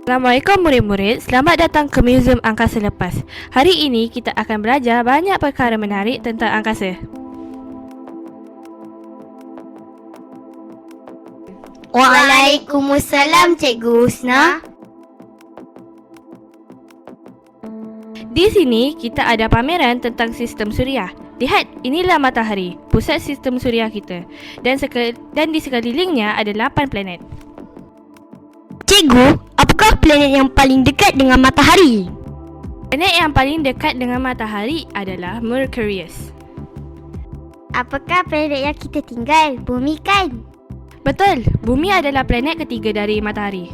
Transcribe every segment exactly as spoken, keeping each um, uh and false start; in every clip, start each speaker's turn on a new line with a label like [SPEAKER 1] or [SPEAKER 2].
[SPEAKER 1] Assalamualaikum murid-murid, selamat datang ke Museum Angkasa Lepas. Hari ini kita akan belajar banyak perkara menarik tentang angkasa.
[SPEAKER 2] Waalaikumsalam Cikgu Husna.
[SPEAKER 1] Di sini kita ada pameran tentang sistem suria. Lihat, inilah matahari, pusat sistem suria kita. Dan, seke- dan di sekelilingnya ada lapan planet.
[SPEAKER 2] Cikgu, apakah planet yang paling dekat dengan matahari?
[SPEAKER 1] Planet yang paling dekat dengan matahari adalah Mercurius.
[SPEAKER 2] Apakah planet yang kita tinggal? Bumi kan?
[SPEAKER 1] Betul, bumi adalah planet ketiga dari matahari.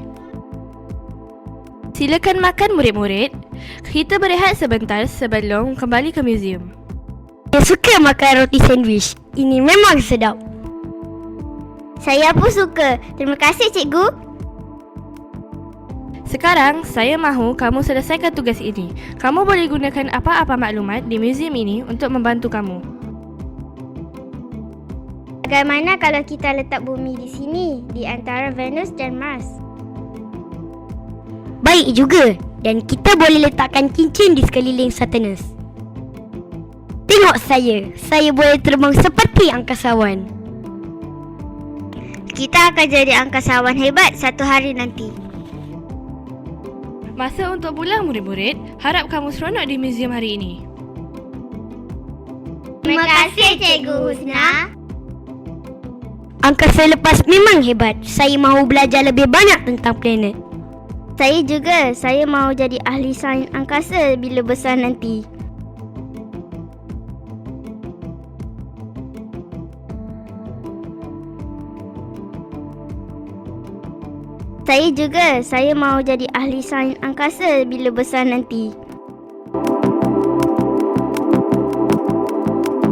[SPEAKER 1] Silakan makan murid-murid. Kita berehat sebentar sebelum kembali ke museum.
[SPEAKER 2] Saya suka makan roti sandwich. Ini memang sedap. Saya pun suka. Terima kasih Cikgu.
[SPEAKER 1] Sekarang, saya mahu kamu selesaikan tugas ini. Kamu boleh gunakan apa-apa maklumat di museum ini untuk membantu kamu.
[SPEAKER 2] Bagaimana kalau kita letak bumi di sini, di antara Venus dan Mars? Baik juga. Dan kita boleh letakkan cincin di sekeliling Saturnus. Tengok saya. Saya boleh terbang seperti angkasawan. Kita akan jadi angkasawan hebat satu hari nanti.
[SPEAKER 1] Masa untuk pulang murid-murid, harap kamu seronok di museum hari ini.
[SPEAKER 2] Terima kasih Cikgu Husna. Angkasa lepas memang hebat. Saya mahu belajar lebih banyak tentang planet. Saya juga. Saya mahu jadi ahli sains angkasa bila besar nanti. Saya juga. Saya mahu jadi ahli sains angkasa bila besar nanti.